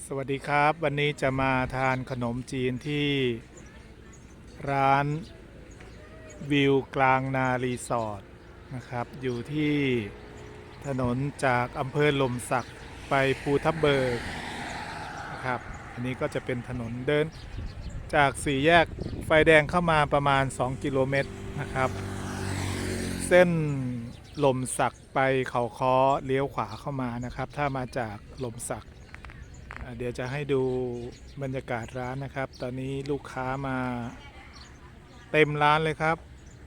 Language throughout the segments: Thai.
สวัสดีครับวันนี้จะมาทานขนมจีนที่ร้านวิวกลางนารีสอร์ทนะครับอยู่ที่ถนนจากอำเภอหล่มสักไปภูทับเบิกนะครับอันนี้ก็จะเป็นถนนเดินจากสี่แยกไฟแดงเข้ามาประมาณ2 กิโลเมตรนะครับเส้นหล่มสักไปเขาค้อเลี้ยวขวาเข้ามานะครับถ้ามาจากหล่มสักเดี๋ยวจะให้ดูบรรยากาศร้านนะครับตอนนี้ลูกค้ามาเต็มร้านเลยครับ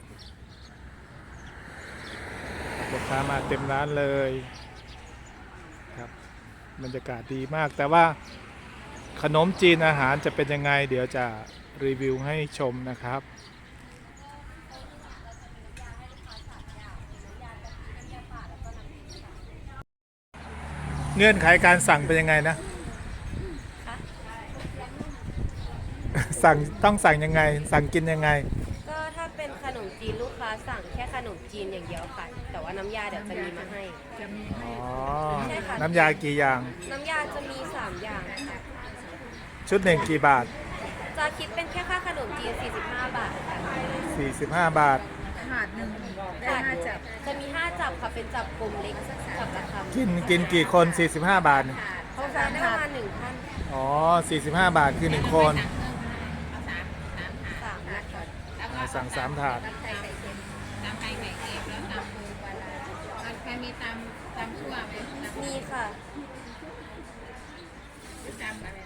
ลูกค้ามาเต็มร้านเลยครับบรรยากาศดีมากแต่ว่าขนมจีนอาหารจะเป็นยังไงเดี๋ยวจะรีวิวให้ชมนะครับเงื่อนไขการสั่งเป็นยังไงนะต้องสั่งยังไงสั่งกินยังไงก็ถ้าเป็นขนมจีนลูกค้าสั่งแค่ขนมจีนอย่างเดียวค่ะแต่ว่าน้ำยาเดี๋ยวจะมีมาให้อ๋อใช่ค่ะน้ำยากี่อย่างน้ำยาจะมี3อย่างค่ะชุดหนึ่งกี่บาทจะคิดเป็นแค่ค่าขนมจีน45 บาทค่ะ 45 บาทถาดหนึ่งได้5 จับจะมี5 จับค่ะเป็นจับกลมเล็กจับละคำกินกี่คน45 บาทเขาจะได้ประมาณ1 ท่านอ๋อ45 บาทคือ1 คน 3นะคะสั่ง3 ถาดตำไข่ไข่เค็มแล้วตำปูปลาร้าใครมีตำชั่วไหมมีค่ะตำอะไร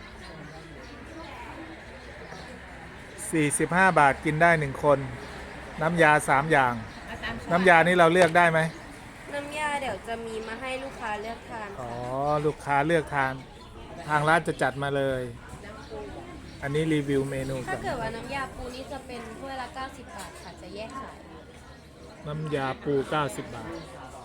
45 บาทกินได้1 คนน้ำยา3 อย่างน้ำยานี่เราเลือกได้ไหมน้ำยาเดี๋ยวจะมีมาให้ลูกค้าเลือกทานอ๋อค่ะลูกค้าเลือกทานทางร้านจะจัดมาเลยอันนี้รีวิวเมนูถ้าก่อนเกิดว่าน้ำยาปูนี่จะเป็นถ้วยละ90 บาทค่ะจะแยกขายน้ำยาปู90 บาท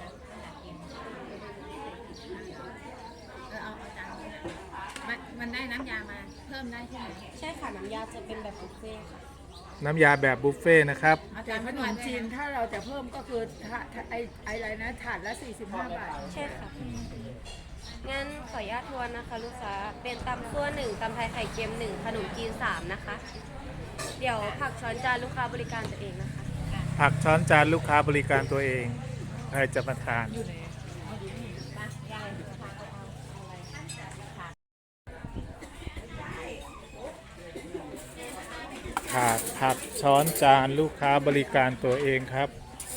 มันได้น้ำยามาเพิ่มได้ใช่ไหมใช่ค่ะน้ำยาจะเป็นแบบบุฟเฟ่ค่ะน้ำยาแบบบุฟเฟ่นะครับแต่ขนมจีนถ้าเราจะเพิ่มก็คืออะไรนะถาดละ45 บาทใช่ค่ะงั้นขออนุญาตทวนนะคะลูกค้าเป็นตำซั่ว1ตำไทยไข่เค็ม1ขนมจีน3นะคะเดี๋ยวผักช้อนจานลูกค้าบริการตัวเองนะคะผักช้อนจานลูกค้าบริการตัวเองใครจะมาทานผักช้อนจานลูกค้าบริการตัวเองครับ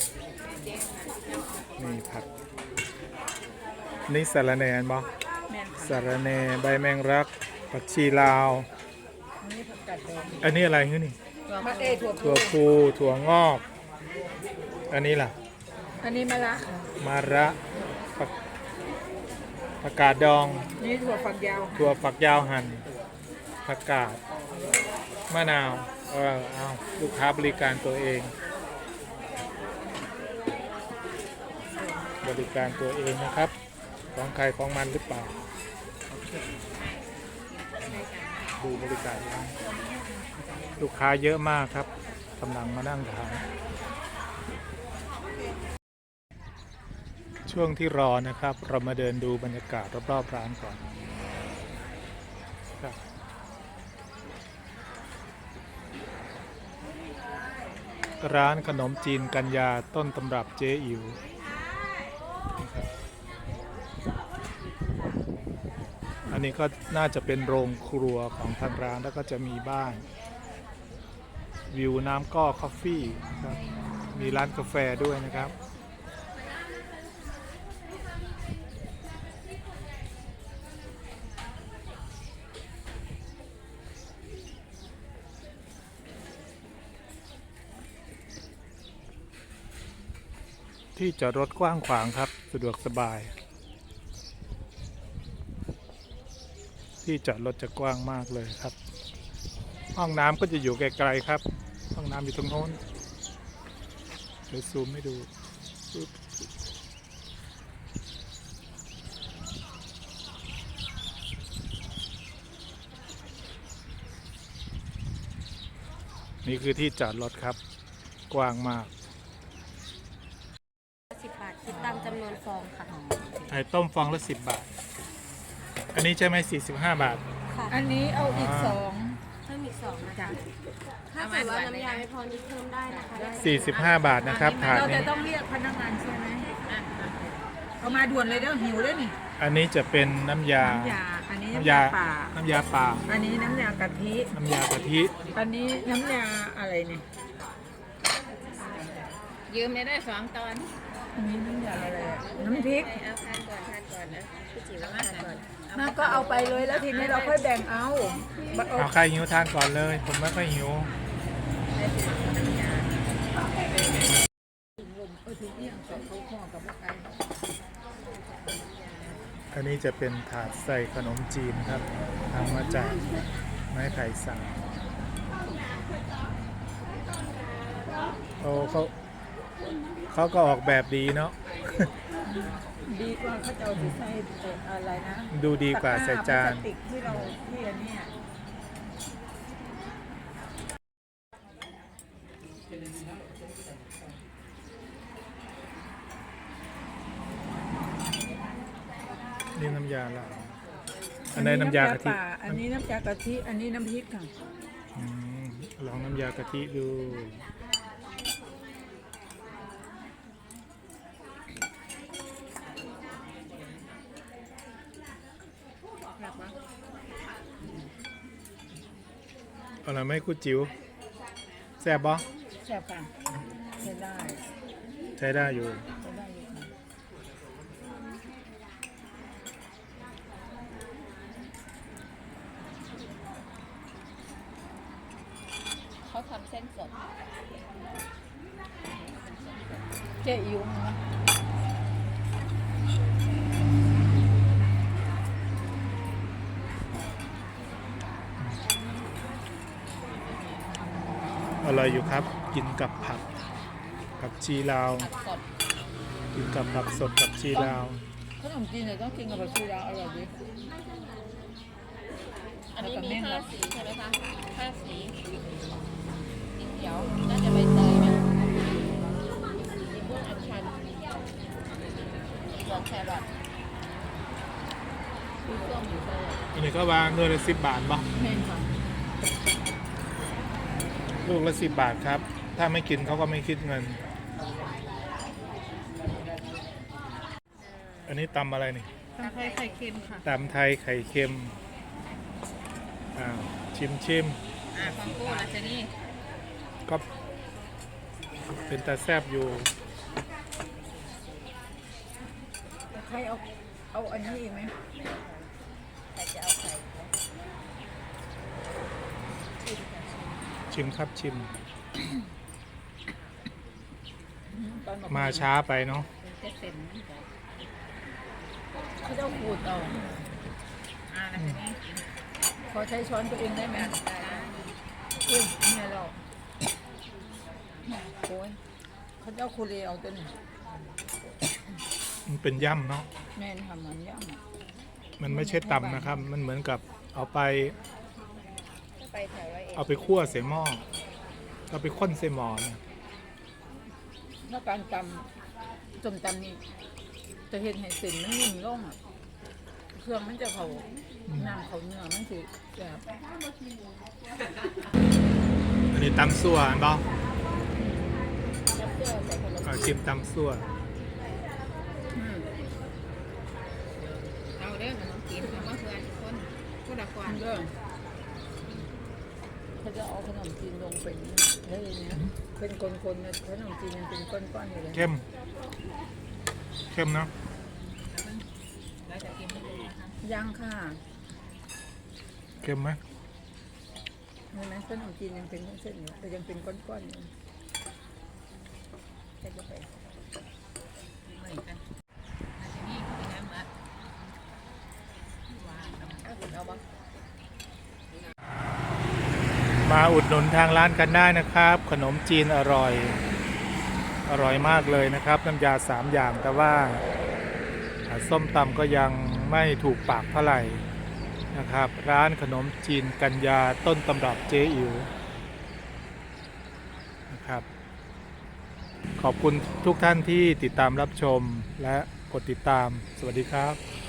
นี่ผักนี่สะระแหน่บ่สะระแหน่ใบแมงลักผักชีลาวอันนี้อะไรนี่ถั่วพูถั่วงอกอันนี้ล่ะอันนี้มะระผักกาดดองนี่ถั่วฝักยาวหั่นผักกาดมะนาวเอาลูกค้าบริการตัวเองนะครับของใครของมันหรือเปล่าดูบริการลูกค้าเยอะมากครับกำลังมานั่งทานช่วงที่รอนะครับเรามาเดินดูบรรยากาศรอบๆร้านก่อนครับร้านขนมจีนกัญญาต้นตำรับเจ๊อิ๋วอันนี้ก็น่าจะเป็นโรงครัวของทางร้านแล้วก็จะมีบ้านวิวน้ำก้อคอฟฟี่ครับมีร้านกาแฟด้วยนะครับที่จอดรถกว้างขวางครับสะดวกสบายที่จอดรถจะกว้างมากเลยครับห้องน้ำก็จะอยู่ไกลๆครับห้องน้ำอยู่ตรงโน้นเดี๋ยวซูมให้ดูนี่คือที่จอดรถครับกว้างมาก 10 บาทคิดตามจำนวนฟองค่ะไข่ต้มฟองละ10 บาทอันนี้ใช่ไหม45 บาทค่ะอันนี้เอาอีกอ่าสองเพิ่มอีก2นะจ้ะถ้าเกิดว่าน้ำยาไม่พอนี่เพิ่มได้นะคะได้ 45 บาทนะครับถาดเราจะนี้ต้องเรียกพนักงานใช่ไหมเอามาด่วนเลยเด้อหิวเลยนี่อันนี้จะเป็นน้ำยาน้ำยาอันนี้น้ำน้ำยายาป่าน้ำยาป่าอันนี้น้ำยากะทิน้ำยากะทิอันนี้น้ำยาอะไรเนี่ยยืมได้สองตอนอันนี้น้ำยาอะไรอะน้ำพริกเอาทานก่อนนะพี่จิ๋วทานก่อนน่าก็เอาไปเลยแล้วทีนี้เราค่อยแบ่งเอาบัดเอาเอาใครหิวทานก่อนเลย ผมไม่ค่อยหิวถุงเอี้ยงสองเขาห่อกับไก่อันนี้จะเป็นถาดใส่ขนมจีนครับทำมาจากไม้ไผ่สักโอ้เขาก็ออกแบบดีเนาะดีกว่าเขาจะเอาที่ใส่อะไรนะดูดีกว่าใส่จานตะกร้พลสติกที่เราที่อันเนี้ยนี่น้ำยาละอันนี้น้ำยากะทิป่าอันนี้น้ำยากะทิอันนี้น้ำพริกค่ะอืมลองน้ำยากะทิดูเอาละไรไหมคุณจิ๋วแซ่บบ่แซ่บค่ะใช้ได้ใช้ได้อยู่ใช้ได้อยู่ค่ะเขาทำเส้นสดเจ๊อิ๋วนะอร่อยอยู่ครับ กินกับผักชีลาวผัดสดกินกับผักสดกับชีลาวขนมจีนเนี่ยต้องกินกับผักชีลาวอร่อยดีอันนี้แล้วก็มีเม่น 5 เหรอสีใช่ไหมคะ5 สีสีเขียวน่าจะใบเตยไหมสีม่วงอัญชันสีเหลืองแครอทสีส้มอยู่เลยอันนี้ก็วางด้วยละ10 บาทบ่เม่นค่ะลูกละ10 บาทครับ ถ้าไม่กินเขาก็ไม่คิดเงิน อันนี้ตำอะไรนี่ตำไทยไข่เค็มค่ะตำไทยไข่เค็มอ้าวชิมฟังกู้นะเจนี่ก็เป็นตาแซบอยู่ใครเอาอันนี้อีกไหมใครจะเอาไข่ชิมครับชิมตอนบอกมาช้าไปเนาะจะเสร็จนะเขาจะเอาขูดเอานะเจนี่ขอใช้ช้อนตัวเองได้ไหมอุ้ยเนี่ยเราโอ้ยเขาจะเอาคูเรเอาตัวนี้มันเป็นย่ำเนาะแม่นทำมันย่ำอะมันไม่ใช่ตำนะครับ มันเหมือนกับเอาไปไปแถว101 เอาไปคั่วใส่หม้อเอาไปข้นใส่หม้อเนี่ยแล้วการตำจมตำนี่จะเห็นให้เส้นมันนิ่มลงอ่ะเครื่องมันจะเขาน้ำเขาเนื้อมันคือแบบอันนี้ตำซั่วอันบ่น้ำเกลือใส่คนละเอาชิมตำซั่วเอาเด้อขนมจีนเอามาเพื่อนทุกคนพูดละก่อนเรื่องเขาจะเอาขนมจีนลงเป็นได้เลยเนี่ยเป็นคนๆเนี่ยขนมจีนยังเป็นก้อนๆอยู่เลยเข้มเนาะแล้วจะกินให้ดูนะคะยังค่ะเข้มไหมเห็นไหมขนมจีนยังเป็นเส้นๆอยู่แต่ยังเป็นก้อนๆอยู่ใส่เข้าไปเหมือนกันอาจจะนี่กินน้ำละหวานเอาบ้างมาอุดหนุนทางร้านกันได้นะครับ ขนมจีนอร่อย อร่อยมากเลยนะครับ น้ำยา3 อย่างแต่ว่าส้มตำก็ยังไม่ถูกปากเท่าไหร่นะครับ ร้านขนมจีนกัญญาต้นตำรับเจ๊อิ๋วนะครับ ขอบคุณทุกท่านที่ติดตามรับชมและกดติดตามสวัสดีครับ